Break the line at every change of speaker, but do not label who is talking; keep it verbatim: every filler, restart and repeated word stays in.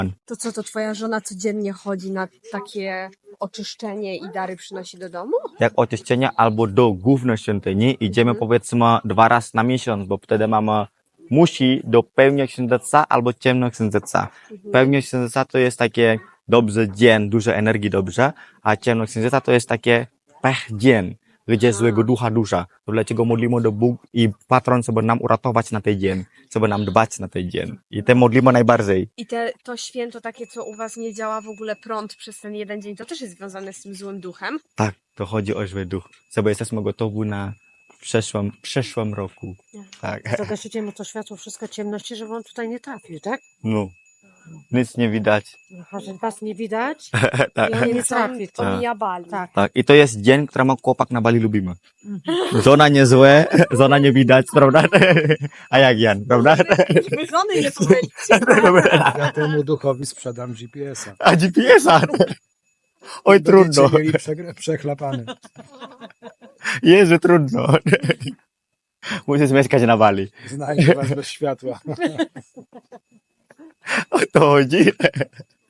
To co, to twoja żona codziennie chodzi na takie oczyszczenie i dary przynosi do domu?
Jak oczyszczenie albo do głównej świątyni idziemy powiedzmy dwa razy na miesiąc, bo wtedy mamy musi do pełnia księżyca albo ciemnego księżyca. Pełnia księżyca to jest takie dobry dzień, dużo energii dobrze, a ciemno księżyca to jest takie pech dzień, gdzie złego ducha duża. Dlatego modlimy do Bóg i patron, żeby nam uratować na ten dzień, żeby nam dbać na ten dzień. I te modlimy najbardziej.
I te, to święto takie, co u was nie działa w ogóle prąd przez ten jeden dzień, to też jest związane z tym złym duchem?
Tak, to chodzi o zły duch. Żeby jesteśmy gotowi na przeszłym, przyszłym roku. Tak.
Zagaszycie mu to światło, wszystko ciemności, żeby on tutaj nie trafił, tak?
No, nic nie widać.
Że was nie widać
Tak.
i on nie
Więc on
trafi. To.
omija Bali.
Tak.
Tak, i to jest dzień, który ma chłopak na Bali lubimy. Żona nie złe, żona nie widać, prawda? A jak Jan, prawda?
Żeby żony nie pomylić.
Ja temu duchowi sprzedam G P S-a.
A G P S-a? Oj, trudno.
Będziecie mieli prze, przechlapany.
Jezu, trudno. Musisz mieszkać na Bali.
Znajdę was bez światła.
O to chodzi.